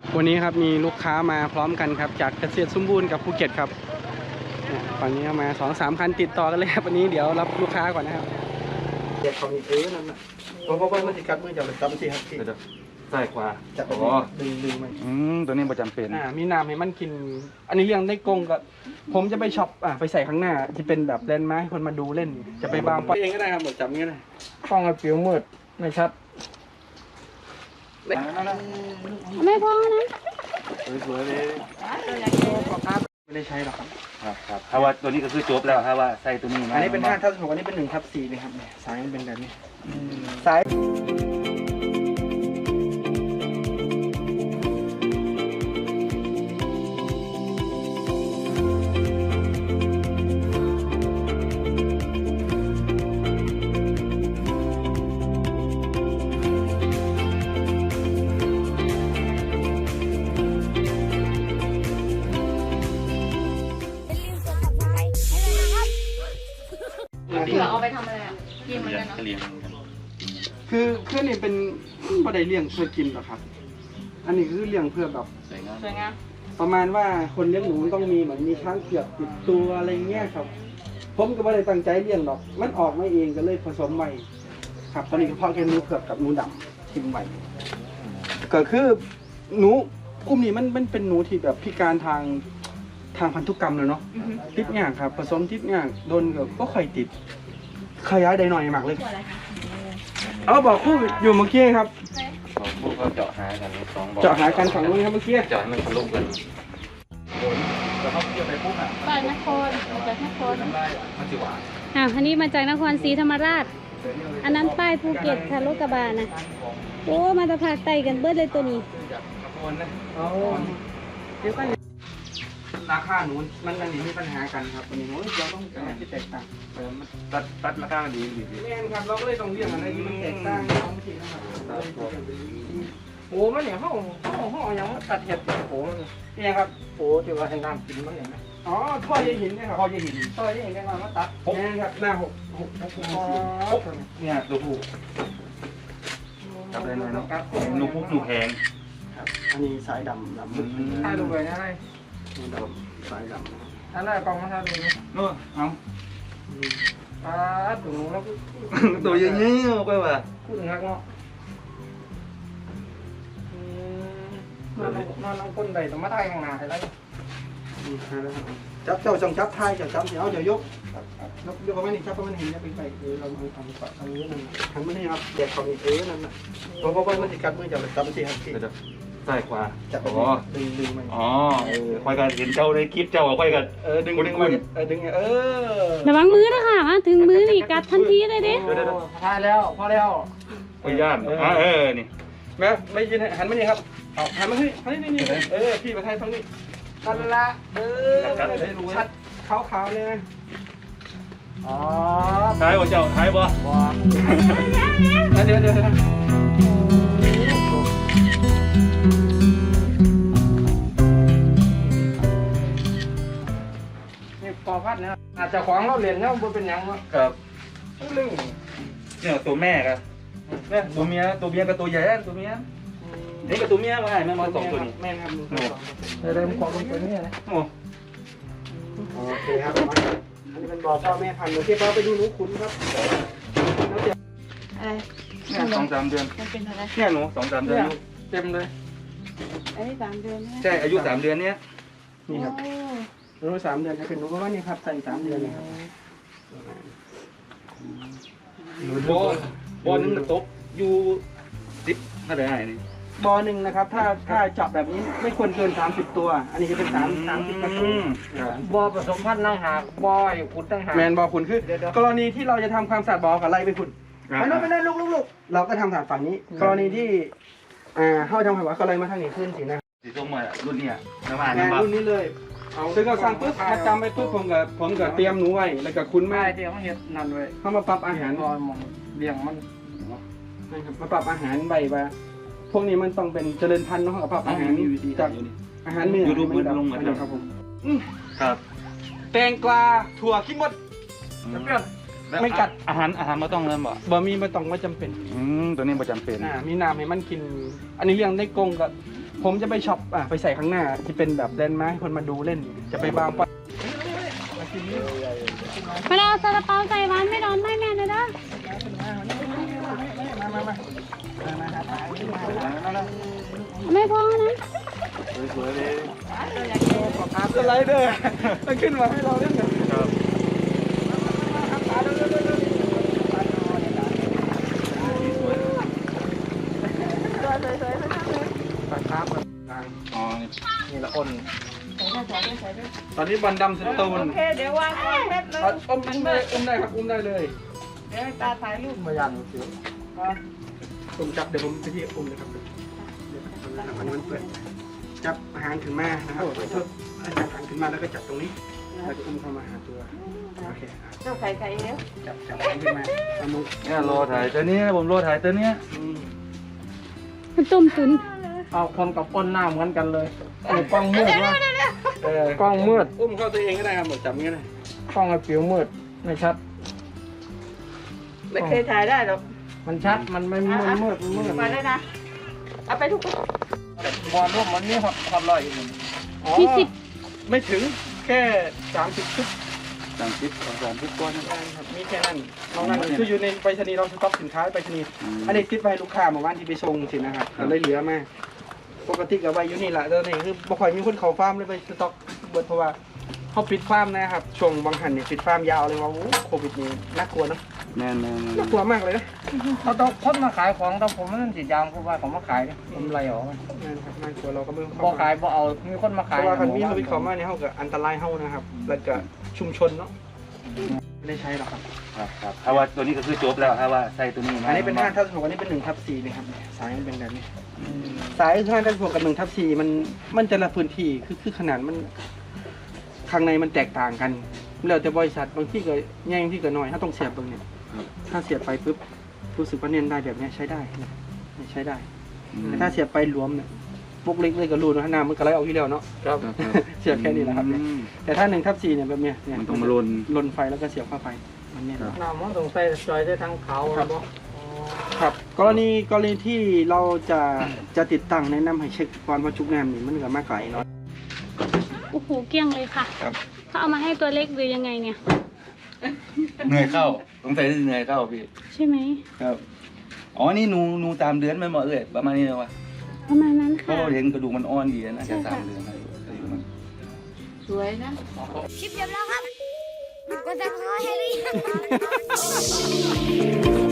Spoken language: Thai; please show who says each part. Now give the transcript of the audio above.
Speaker 1: วันนี้ครับมีลูกค้ามาพร้อมกันครับจากเกษตรสมบูรณ์กับภูเก็ตครับฝั่งนี้มา 2-3 คันติดต่อกันเลยครับวันนี้เดี๋ยวรับลูกค้าก่อนนะครับเด็กเขามีนั่นนะเพราะว่ามันจะกัดมือจับเลยจับสิครับพี่
Speaker 2: ใส่ขวา
Speaker 1: จับดึงมัน
Speaker 2: ตัวนี้ประจำเป็น
Speaker 1: มีน้ำให้มันกินอันนี้เลี้ยงได้กงกับผมจะไปช็อปไปใส่ข้างหน้าจะเป็นแบบเล่นไม้คนมาดูเล่นจะไปบางปเองก็ได้ครับหมดจับงี้เลยป้องกับผิวมืดไม่ชัด
Speaker 3: ไม่พอนะ
Speaker 2: สวยๆเลย
Speaker 1: ไม่ได้ใช้หรอกครับ
Speaker 2: ครับถ้าว่าตัวนี้ก็คือจบแล้วถ้าว่าใส่ตัวนี้
Speaker 1: อันนี้เป็น5/6อันนี้เป็น1/4เลยครับสายมันเป็นแบบนี้สาย
Speaker 3: เอาไปทำอะไรอ่ะเลี้ยงมันกันเนาะ
Speaker 1: คือนี่เป็นบ่ได้เลี้ยงเพื่อกินหรอกครับอันนี้คือเลี้ยงเพื่อแบบ
Speaker 3: สวยงาม
Speaker 1: ประมาณว่าคนเลี้ยงหนูมันต้องมีเหมือนมีช้างเผือกติดตัวอะไรเงี้ยครับผมก็ไม่ได้ตั้งใจเลี้ยงหรอกมันออกมาเองก็เลยผสมใหม่ครับตอนนี้ก็เพาะแค่หนูเผือกกับหนูดำทิ้งไว้ก็คือหนูกลุ่มนี้มันเป็นหนูที่แบบพิการทางพันธุกรรมเลยเนาะติดง่ายครับผสมติดง่ายโดนก็ค่อยติดขยายได้หน่อยมากเลยเอาบอกคู่อยู่เมื่อกี้ครับ
Speaker 2: พวกเขาเจาะหากัน2 บ่อ
Speaker 1: เจาะหากันฝั่งนู้นครับเมื่อกี้
Speaker 2: เจาะให้มันทะลุกันแล้วเขาเกี่ยวไปปุ๊บอ่ะ
Speaker 3: บ้านนครจากนคร
Speaker 2: มันจะหวาน
Speaker 3: อันนี้มาจากนครศรีธรรมราชอันนั้นป้ายภูเก็ตค่ะรถกระบะนะโอ้มาจากภาคใต้กันเบิดเลยตัวนี้
Speaker 1: ราคาหนูมันอันนี้มีปัญหากันครับอันนี้เราต้องการที่แตกต่าง
Speaker 2: ตัดราคาดี
Speaker 1: แน่นครับเราก็เลยต้องเรียกอะไรที่มันแตกต่างท้องถิ่นนะครับโอ้มันเนี่ยห้องยังตัดเห็ดโอ้เนี่ยครับโอ้ที่ว่าให้น้ำกินมันเนี่ยอ๋อท่อใยหินเนี่ยครับท่อใยหินได้มาตัดเนี่ยครับหน้า6
Speaker 2: เนี่ยตัวผู้จับได้เลยเนาะหนูแพง
Speaker 1: ครับอันนี้สายดำมืดถ่ายรูปไปนะดำสายดำอันนั้นกองมาถ่ายรูป
Speaker 2: เนาะเอา
Speaker 1: ตัวแล้ว
Speaker 2: ตัวอย่างนี้ไปว่ะ
Speaker 1: พูดงักเนาะนอนคนใดต้องมาถ่ายข้างหน้าให้ได้จับเจ้าจังจับถ่ายจับเดี๋ยว ยกประมาณนี้จับประมาณเห็นเนี่ยไปเราทำตรงนี้นั่นทำไม่ได้ครับเด็กเขามีนั่นนะเพราะว่ามันจะกัดมือจับเลยจับสิครับพี่
Speaker 2: ใส่ขวา
Speaker 1: จับดึงมัน
Speaker 2: ค่อยกันเห็นเจ้าในคลิปเจ้าค่อยกันดึงมัน
Speaker 1: ดึง
Speaker 3: ระวังมือนะคะมาถึงมือนี่กัดทันทีเลยเด้
Speaker 1: ถ่ายแล้วพอแล้ว
Speaker 2: ไปย่านนี่
Speaker 1: แม่ไม่ยินหันมานี่ครับเอาหันมาที่นี่พี่มาถ่ายตรงนี้นั่นละชัดขาวเลยอ๋อ
Speaker 2: ท้ายบ่เจ้าท้ายบ่
Speaker 1: เดี๋ยวนี่ปอพัดนะครับอาจจะขวางเราเรียนแล้วมันเป็นยังวะ
Speaker 2: ครับ
Speaker 1: เรื่อง
Speaker 2: เนี่ยตัวแม่ครับเนี่ยตัวเมียกับตัวใหญ่ตัวเมียนี่กับตัวเมียมาไงแม่มา2 ตัวนี้
Speaker 1: แม่ครับเริ่มความเป็นตัวนี้นะโอเคครับอันนี้เป็นบ่อพ่อแม่พันธุ์โอเคเราไปดูหนูขุนครับ
Speaker 3: อะไร
Speaker 2: เนี่ย2-3 เดือน
Speaker 3: มันเป็นอะไร
Speaker 2: เนี่ยหนู2-3 เดือน
Speaker 1: เต็มเลย
Speaker 3: อันนี้3 เดือน
Speaker 2: ใช่อายุ3 เดือนเนี้ย
Speaker 1: นี่ครับหนู3 เดือนจะเป็นหนูก็ว่านี่ครับใส่3 เดือนนี่ครับ
Speaker 2: บ่อนึงตกอยู่10เท่าไหร่นี่
Speaker 1: บ่อหนึ่งนะครับถ้าเจาะแบบนี้ไม่ควรเกิน30 ตัวอันนี้จะเป็น30 กระตุ้น
Speaker 4: บ่อผสมพันธุ์ตั้งหากบ่อขุดตั้งหาก
Speaker 1: แมนบ่อขุนคือกรณีที่เราจะทำความสะอาดบ่อกับไล่ไปขุนไม่ได้ลูกเราก็ทำสะอาดฝั่งนี้กรณีที่เข้าทำหัวก็ไล่มาทางนี้ขึ้นสินะ
Speaker 2: สีส้มมารุ่นนี้น้ำมัน
Speaker 1: รุ่นนี้เลยซึ่งเราสั่งปุ๊บมาจำไปปุ๊บผมก็เตรียมหนูไว้แล้วก็คุ้นแม่
Speaker 4: เตรียมเห็ดนั่นไว้
Speaker 1: เข้ามาปรับอาหาร
Speaker 4: มองเลี้ยงมัน
Speaker 1: มาปรับอาหารใบมาพวกนี้มันต้องเป็นเจริญพันธุ์เนาะปรับอาหารจากอาหารเนื้อ
Speaker 2: ยูทูบมันลงมา
Speaker 1: ครับผม
Speaker 2: ครับ
Speaker 1: แตงกวาถั่วขี้มดไม่กัด
Speaker 2: อาหารไม่ต้องเริ่มบ่
Speaker 1: มีไม่ต้องไม่จำเป็น
Speaker 2: ตัวนี้ไม่จำเป็น
Speaker 1: มีน้ำให้มันกินอันนี้เลี้ยงได้กงกับผมจะไปช็อปไปใส่ข้างหน้าที่เป็นแบบแลนด์มาร์คให้คนมาดูเล่น จะไปบางปะ
Speaker 3: มาเอาซาลาเปาใส่หวานไม่ร้อนไม่แม่นะเด้อ ไม่พอนะ
Speaker 2: สวยๆเลย
Speaker 1: สไลเดอร์มันขึ้นมาให้เราเล่นกัน
Speaker 2: ครับ
Speaker 1: ครับ
Speaker 2: อ๋อ
Speaker 1: นี่ละอ้นตอนนี้บอลดำสตูน
Speaker 5: โอเค เดี๋ยววางก่อนแป๊บนึง
Speaker 1: อุ้มได้ครับอุ้มได้เลย
Speaker 5: เดี๋ยวให้ตาถ่ายรูป
Speaker 1: มายันสิผมจับเดี๋ยวผมไปที่อุ้มเลยครับอันนี้มันเปิดจับหางขึ้นมานะครับจับหางขึ้นมาแล้วก็จับตรงนี้แล้วก็อุ้มเข้ามาหาตัวโอเค
Speaker 5: เจ้าไข่ไก่แล้ว
Speaker 1: จับหางขึ้นมาเอามือ
Speaker 2: เนี่ยรอถ่ายตัวนี้ผมรอถ่ายตัวเนี้ย
Speaker 3: มันต้มตุ๋น
Speaker 4: เอาคนกับก้นหน้าเหมือนกันเลยกล้องมืดวะ
Speaker 1: กล้องมืดอุ้มเข้าตัวเองก็ได้ครับจับงี้ก็ได้
Speaker 4: กล้องไอ้ผิวมืดไม่ชัด
Speaker 5: ไม่เคยถ่ายได้หรอก
Speaker 4: มันชัดมันไม่มืดมืด
Speaker 5: มาเลยนะ เอาไปทุกคน
Speaker 4: บอลร่วมมันนี่ฮอตลอยอยู่
Speaker 3: มีสิบ
Speaker 1: ไม่ถึงแค่30ชุด
Speaker 2: 30 ก้อน
Speaker 1: ครับมีแค่นั้นนอกนั้นคืออยู่ในไปรษณีย์เราสต็อกสินค้าไปรษณีย์อันนี้ติดไปให้ลูกค้าเมื่อวานที่ไปส่งสินะครับก็เลยเหลือมาปกติกับไว้อยู่นี่แหละตอนนี้คือบ่ค่อยมีคนเข้าฟาร์มเลยไปสต็อกเบิดเพราะว่าเขาปิดฟาร์มนะครับช่วงบางหันเนี่ยปิดฟาร์มยาวเลยว่าโอ้โควิดนี่น่ากลัวเนอะ
Speaker 2: แม่น
Speaker 1: น่ากลัวมากเลยนะ
Speaker 4: เขาต้องคนมาขายของแต่ผมนั่นสิยางเพราะว่าเขามาขายเนี่ยผมไรออกมัน
Speaker 1: นั่นครับน่ากลัวเราก็ไม่
Speaker 4: บ่ขายบ่เอามีคนมา
Speaker 1: เพ
Speaker 4: ขาย
Speaker 1: ราะว่าคันมีโควิดเข้ามาเนี่ยเขาก็อันตรายเฮานะครับ แล้วก็ชุมชนเนาะไม่ได้ใช้หรอกครับ
Speaker 2: ครับถ้าว่าตัวนี้ก็คือจบแล้วถ้าว่าใส่ตัวนี้
Speaker 1: อันนี้เป็น5/6อันนี้เป็น1/4นะครับสายมันเป็นแบบนี้สาย5/6กับ1/4มันแต่ละพื้นที่คือขนาดมันข้างในมันแตกต่างกันแล้วแต่บริษัทบางที่ก็ใหญ่บางที่ก็น้อยถ้าต้องเสียบตรงนี้ถ้าเสียบไปปุ๊บรู้สึกว่าเน้นได้แบบนี้ใช้ได้นะใช้ได้แต่ถ้าเสียบไปหลวมเนี่ยพวกเล็กเลยก็รูนะน้ำมันก็ไหลออกที่แล้วเนาะ
Speaker 4: ครับ
Speaker 1: เสียบแค่นี้แหละครับเนี่ยแต่ถ้า1/4เนี่ยแบบเนี้ย
Speaker 2: มันต้องมาลน
Speaker 1: ไฟแล้วก็เสียบเข้าไปมันเนี่ย
Speaker 4: น้ำมันต้องใส่จอยได้ทั้งเขาครับ
Speaker 1: ครับกรณีที่เราจะติดตั้งแนะนำให้เช็คก่อนว่าจุกน้ำนี่มันก็มาไกลเนาะ
Speaker 3: โอ้โหเกลี้ยงเลยค่ะ
Speaker 2: ครับ
Speaker 3: เขาเอามาให้ตัวเล็กหรือยังไงเนี่ย
Speaker 2: เหนื่อยเข้าสงสัยเหนื่อยเข้าพี่
Speaker 3: ใช่ไหม
Speaker 2: ครับอ๋อนี่หนูตามเดือนไหมหมอเอ้ยประมาณนี้เลยวะ
Speaker 3: ประมาณนั้น
Speaker 2: เพราะ
Speaker 3: ค่ะ
Speaker 2: เราเห็นกระดูกมันอ่อนดีนะแค่3 เดือนอายุมัน
Speaker 5: สวยนะ
Speaker 6: คลิปจบแล้วครับกดติดตามให้หรือยัง